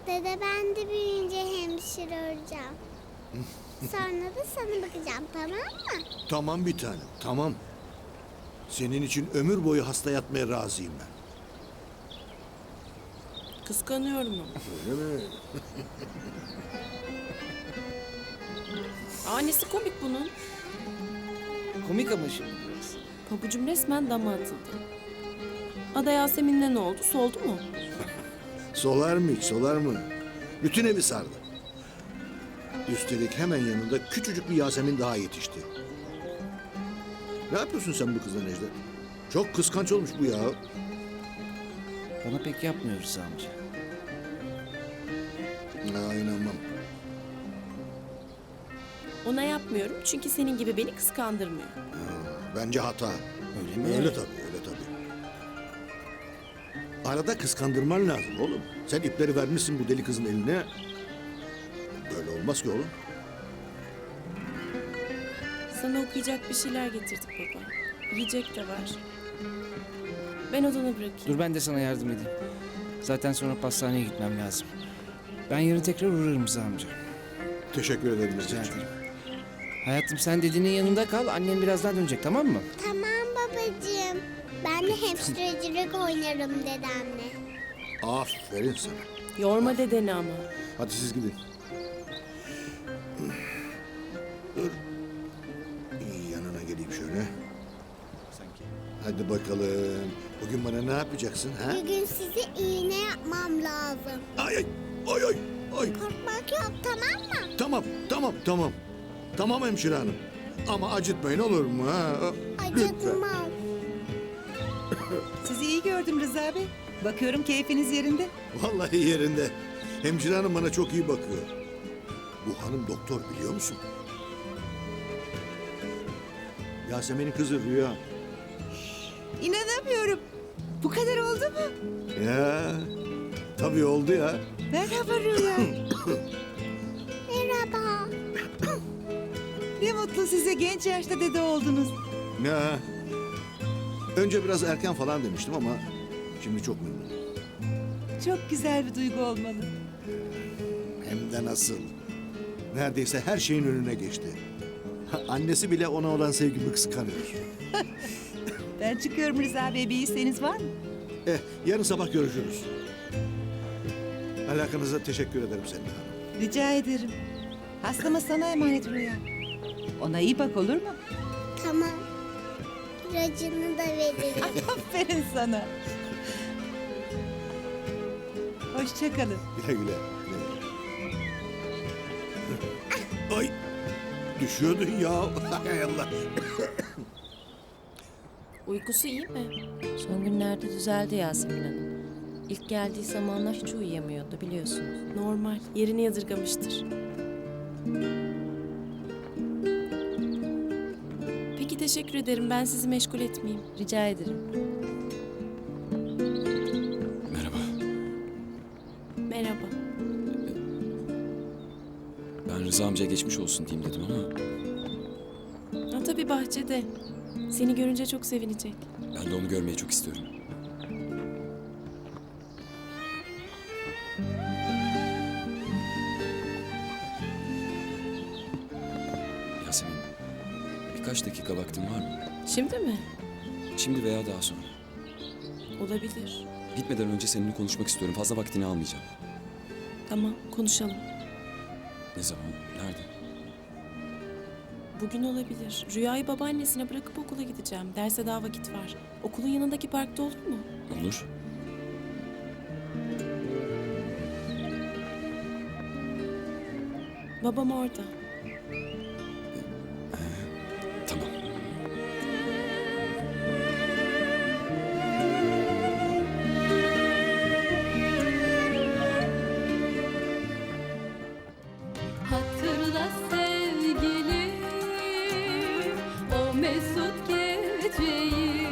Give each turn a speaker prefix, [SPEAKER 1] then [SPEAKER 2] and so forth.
[SPEAKER 1] Dede ben de büyüyünce hemşire olacağım. Sonra da sana bakacağım, tamam mı?
[SPEAKER 2] Tamam bir tanem, tamam. Senin için ömür boyu hasta yatmaya razıyım ben.
[SPEAKER 3] Kıskanıyorum ama.
[SPEAKER 2] Öyle mi?
[SPEAKER 3] Nesi komik bunun?
[SPEAKER 4] Komik ama şimdi biraz.
[SPEAKER 3] Pabucum resmen dama atıldı. Ada Yasemin'le ne oldu? Soldu mu?
[SPEAKER 2] Solar mı hiç, solar mı? Bütün evi sardı. Üstelik hemen yanında küçücük bir Yasemin daha yetişti. Ne yapıyorsun sen bu kızla Necdet? Çok kıskanç olmuş bu ya.
[SPEAKER 4] Bana pek yapmıyoruz amca.
[SPEAKER 2] Ha, inanmam.
[SPEAKER 3] Ona yapmıyorum çünkü senin gibi beni kıskandırmıyor.
[SPEAKER 2] Bence hata.
[SPEAKER 4] Öyle mi?
[SPEAKER 2] Öyle tabii, öyle tabii. Arada kıskandırman lazım oğlum. Sen ipleri vermişsin bu deli kızın eline. Böyle olmaz ki oğlum.
[SPEAKER 3] Sana okuyacak bir şeyler getirdik baba. Yiyecek de var. Ben odanı bırakayım.
[SPEAKER 4] Dur ben de sana yardım edeyim. Zaten sonra pastaneye gitmem lazım. Ben yarın tekrar uğrarım Rıza amca.
[SPEAKER 2] Teşekkür ederim
[SPEAKER 4] Rica
[SPEAKER 2] Necdetciğim.
[SPEAKER 4] ederim. Hayatım sen dediğinin yanında kal. Annem birazdan dönecek, tamam mı?
[SPEAKER 1] Tamam babacığım. Ben de hemşirecilik oynarım dedemle.
[SPEAKER 2] Aferin sana.
[SPEAKER 3] Yorma dedeni ama.
[SPEAKER 2] Hadi siz gidin. Dur. Yanına geleyim şöyle. Hadi bakalım. Bugün bana ne yapacaksın ha?
[SPEAKER 1] Bugün size iğne yapmam lazım.
[SPEAKER 2] Ay ay ay ay ay.
[SPEAKER 1] Korkmak yok, tamam mı?
[SPEAKER 2] Tamam tamam tamam. Tamam hemşire hanım. Ama acıtmayın olur mu ha? Lütfen.
[SPEAKER 1] Acıtmam.
[SPEAKER 5] Sizi iyi gördüm Rıza Bey. Bakıyorum keyfiniz yerinde.
[SPEAKER 2] Vallahi yerinde. Hemşire hanım bana çok iyi bakıyor. Bu hanım doktor biliyor musun? Yasemin'in kızı Rüya.
[SPEAKER 5] İnanamıyorum. Bu kadar oldu mu?
[SPEAKER 2] Ya tabii oldu ya.
[SPEAKER 5] Merhaba Rüya.
[SPEAKER 1] Merhaba.
[SPEAKER 5] Ne mutlu size, genç yaşta dede oldunuz.
[SPEAKER 2] Ya. Önce biraz erken falan demiştim ama şimdi çok memnunum.
[SPEAKER 5] Çok güzel bir duygu olmalı.
[SPEAKER 2] Hem de nasıl. Neredeyse her şeyin önüne geçti. Annesi bile ona olan sevgimi kıskanıyor.
[SPEAKER 5] Ben çıkıyorum Rıza Bey, bir isteğiniz var mı?
[SPEAKER 2] Yarın sabah görüşürüz. Alakanıza teşekkür ederim Selin Hanım.
[SPEAKER 5] Rica ederim. Hastama sana emanet Rüya. Ona iyi bak, olur mu?
[SPEAKER 1] Tamam. İlacını da veririm.
[SPEAKER 5] Aferin sana. Hoşça kalın.
[SPEAKER 2] Güle güle. Ay. Düşüyordun ya. Hay Allah.
[SPEAKER 3] Uykusu iyi mi?
[SPEAKER 6] Son günlerde düzeldi Yasemin Hanım. İlk geldiği zamanlar hiç uyuyamıyordu biliyorsunuz.
[SPEAKER 3] Normal. Yerini yadırgamıştır. Peki teşekkür ederim. Ben sizi meşgul etmeyeyim.
[SPEAKER 6] Rica ederim.
[SPEAKER 7] Merhaba.
[SPEAKER 3] Merhaba.
[SPEAKER 7] Ben Rıza amcaya geçmiş olsun diyeyim dedim ama
[SPEAKER 3] Ha, tabii bahçede. Seni görünce çok sevinecek.
[SPEAKER 7] ben de onu görmeyi çok istiyorum. Yasemin, birkaç dakika vaktin var mı?
[SPEAKER 3] Şimdi mi?
[SPEAKER 7] Şimdi veya daha sonra.
[SPEAKER 3] Olabilir.
[SPEAKER 7] Gitmeden önce seninle konuşmak istiyorum. Fazla vaktini almayacağım.
[SPEAKER 3] Tamam, konuşalım.
[SPEAKER 7] Ne zaman? Nerede?
[SPEAKER 3] Bugün olabilir. Rüyayı babaannesine bırakıp okula gideceğim. Derse daha vakit var. Okulun yanındaki parkta olur mu?
[SPEAKER 7] Olur.
[SPEAKER 3] Babam orada.
[SPEAKER 7] Tamam.
[SPEAKER 8] Hatırla sevgilim o mesut geceyi.